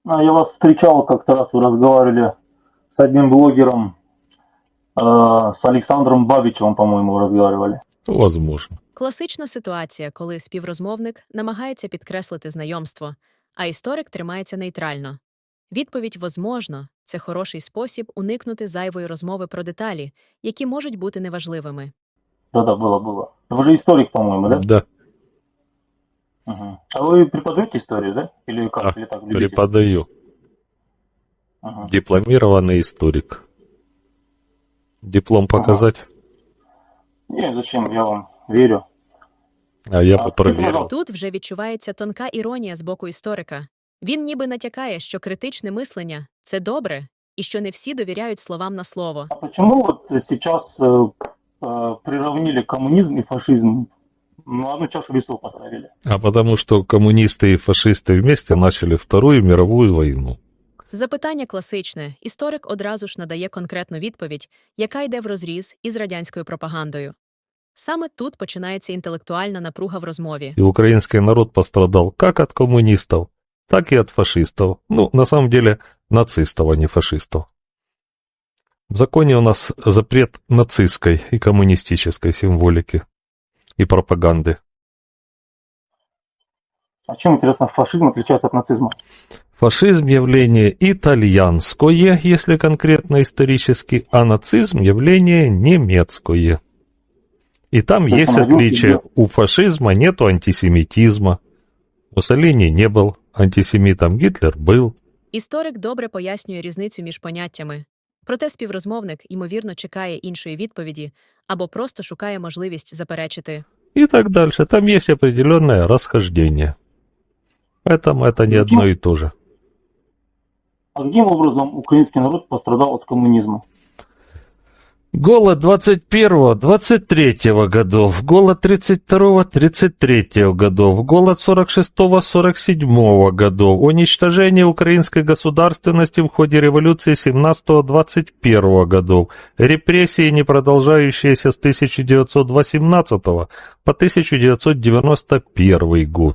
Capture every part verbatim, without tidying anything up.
А я вас встречал как-то раз, вы разговаривали с одним блогером, э, с Александром Бабичевым, по-моему, вы разговаривали. Возможно. Класична ситуація, коли співрозмовник намагається підкреслити знайомство, а історик тримається нейтрально. Відповідь «возможно» – це хороший спосіб уникнути зайвої розмови про деталі, які можуть бути неважливими. Да-да, было, было. Вы же историк, по-моему, да? Да, Мгм. А вы преподаете историю, да? Или как? да, Или так, любитель? преподаю. Ага. Дипломированный историк. Диплом показать? Не, зачем, я вам верю. А я А бы скажите, проверил. пожалуйста, Тут вже відчувається тонка іронія з боку історика. Він ніби натякає, що критичне мислення – це добре, і що не всі довіряють словам на слово. а почему вот сейчас э, э, приравнили коммунизм и фашизм? Ну, одну чашу весов поставили. А потому что коммунисты и фашисты вместе начали Вторую мировую войну. Запитання класичне. Історик одразу ж надає конкретну відповідь, яка йде врозріз із радянською пропагандою. Саме тут починається інтелектуальна напруга в розмові. И украинский народ пострадал как от коммунистов, так и от фашистов. Ну, на самом деле, нацистов, а не фашистов. В законе у нас запрет нацистской и коммунистической символики и пропаганды. А чем, интересно, фашизм отличается от нацизма? Фашизм – явление итальянское, если конкретно исторически, а нацизм – явление немецкое. И там То есть есть он один отличие. из- У фашизма нету антисемитизма. Муссолини не был антисемитом, Гитлер был. Історик добре пояснює різницю між поняттями. Проте співрозмовник, ймовірно, чекає іншої відповіді або просто шукає можливість заперечити. И так дальше. Там есть определенное расхождение. Поэтому это не одно и то же. А каким образом украинский народ пострадал от коммунизма? Голод двадцать первого двадцать третьего годов, голод тридцать второго тридцать третьего годов, голод сорок шестого сорок седьмого годов, уничтожение украинской государственности в ходе революции семнадцатого двадцать первого годов, репрессии, не продолжающиеся с тысяча девятьсот восемнадцатого по тысяча девятьсот девяносто первый год.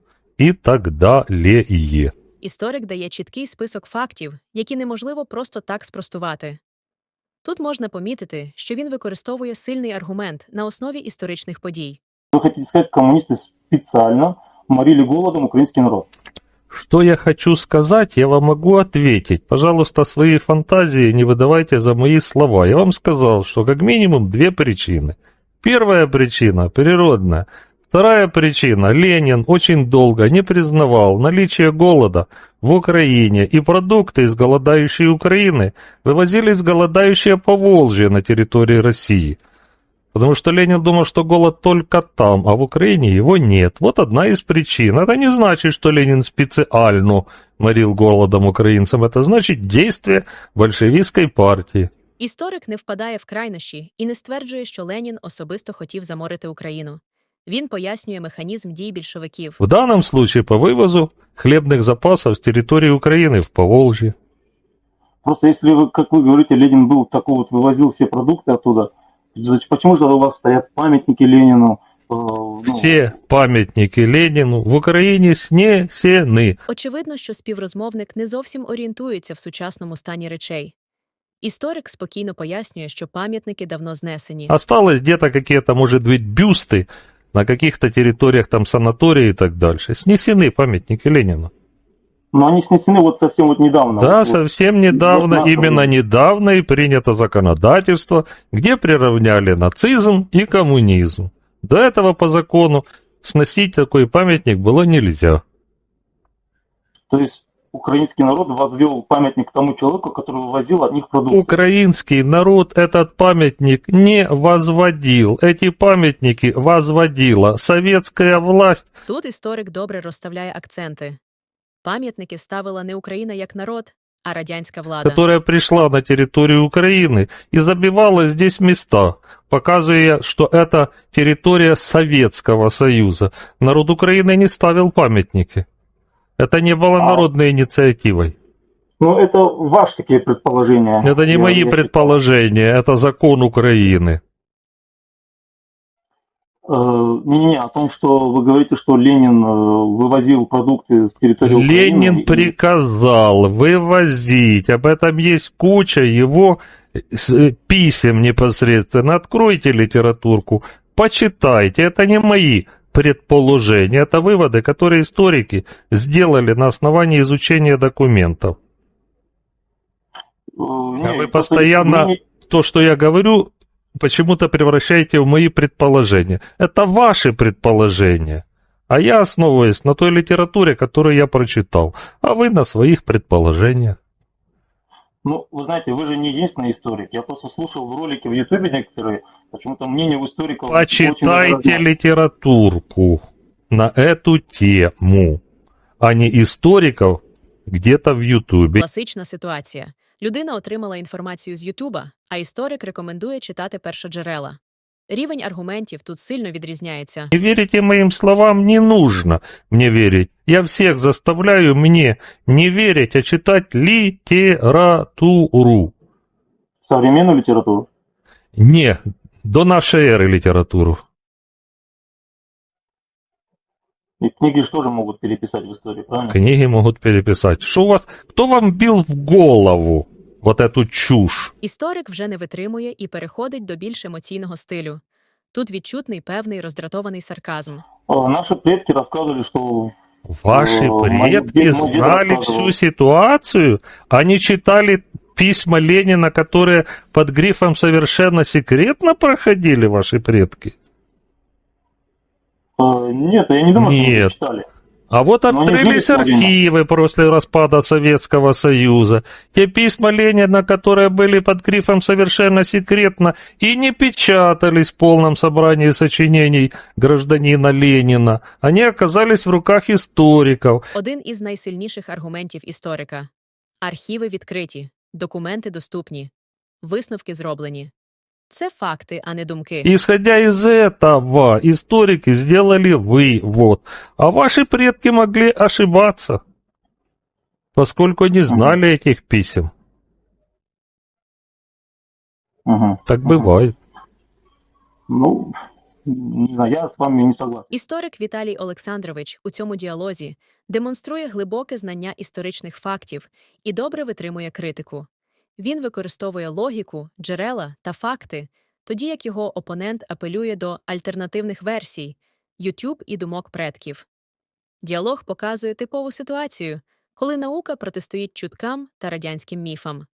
И так далее. Історик дає чіткий список фактів, які неможливо просто так спростувати. Тут можна помітити, що він використовує сильний аргумент на основі історичних подій. Вы хотите сказать, коммунисты специально морили голодом украинский народ? Что я хочу сказать, я вам могу ответить. Пожалуйста, свои фантазии не выдавайте за мои слова. Я вам сказал, что как минимум две причины. Первая причина – природная. Вторая причина – Ленин очень долго не признавал наличие голода в Украине, и продукты из голодающей Украины вывозились в голодающее Поволжье на территории России. Потому что Ленин думал, что голод только там, а в Украине его нет. Вот одна из причин. Это не значит, что Ленин специально морил голодом украинцам. Это значит действие большевистской партии. Історик не впадає в крайнощі і не стверджує, що Ленін особисто хотів заморити Україну. Він пояснює механізм дій більшовиків. В данном случае по вывозу хлебных запасов с территории Украины в Поволжье. Просто если, вы, как вы говорите, Ленин был такой вот, вывозил все продукты оттуда, значит, почему же у вас стоят памятники Ленину? э, ну, Все памятники Ленину в Украине снесены. Очевидно, що співрозмовник не зовсім орієнтується в сучасному стані речей. Історик спокійно пояснює, що пам'ятники давно знесені. Осталось где-то какие-то, может быть, бюсты на каких-то территориях, там санатории и так дальше. Снесены памятники Ленину. Но они снесены вот совсем вот недавно. Да, вот, совсем недавно, вот именно нахуй. недавно и принято законодательство, где приравняли нацизм и коммунизм. До этого по закону сносить такой памятник было нельзя. То есть украинский народ возвел памятник тому человеку, который вывозил от них продукты. Украинский народ этот памятник не возводил. Эти памятники возводила советская власть. Тут історик добре розставляє акценти. Пам'ятники ставила не Україна як народ, а радянська влада. Которая пришла на территорию Украины и забивала здесь места, показывая, что это территория Советского Союза. Народ Украины не ставил памятники. Это не было А- народной инициативой. Ну, это ваши такие предположения. Это не Я- мои я считаю. предположения, это закон Украины. Э, Не-не-не, о том, что вы говорите, что Ленин э, вывозил продукты с территории Ленин Украины. и- приказал вывозить. Об этом есть куча его с- писем непосредственно. Откройте литературку, почитайте. Это не мои предположения, это выводы, которые историки сделали на основании изучения документов. э, А не, вы просто постоянно мне- то, что я говорю, почему-то превращаете в мои предположения. Это ваши предположения. А я основываюсь на той литературе, которую я прочитал, а вы на своих предположениях. Ну, вы знаете, вы же не единственный историк. Я просто слушал в ролике в Ютубе некоторые, почему-то мнение у историков очень даже Почитайте разное. литературку на эту тему, а не историков где-то в Ютубе. Класична ситуація. Людина отримала інформацію з Ютуба, а історик рекомендує читати першоджерела. Рівень аргументів тут сильно відрізняється. Не верите моим словам, не нужно мне верить. Я всех заставляю мне не верить, а читать литературу. Современную литературу. Не, до нашей эры литературу. И книги же тоже могут переписать в истории, правильно? Книги могут переписать. Что у вас, кто вам бил в голову вот эту чушь? Історик вже не витримує і переходить до більш емоційного стилю. Тут відчутний певний роздратований сарказм. Э, Наши предки рассказывали, что Ваши О, мой предки дед- мой дед знали рассказывал. всю ситуацию? Они читали письма Ленина, которые под грифом «совершенно секретно» проходили, ваши предки? э, нет, я не думаю, что они Нет. читали. А вот Но они открылись жили все время. архивы после распада Советского Союза. Те письма Ленина, которые были под грифом «совершенно секретно» и не печатались в полном собрании сочинений гражданина Ленина, они оказались в руках историков. Один із найсильніших аргументів історика. Архіви відкриті, документи доступні, висновки зроблені. Це факти, а не думки. Исходя из этого, историки сделали вывод, а ваши предки могли ошибаться, поскольку не знали этих писем. Мгм. Так Мгм. бывает. Ну, не знаю, я с вами не согласен. Історик Віталій Олександрович у цьому діалозі демонструє глибоке знання історичних фактів і добре витримує критику. Він використовує логіку, джерела та факти, тоді як його опонент апелює до альтернативних версій, YouTube і думок предків. Діалог показує типову ситуацію, коли наука протистоїть чуткам та радянським міфам.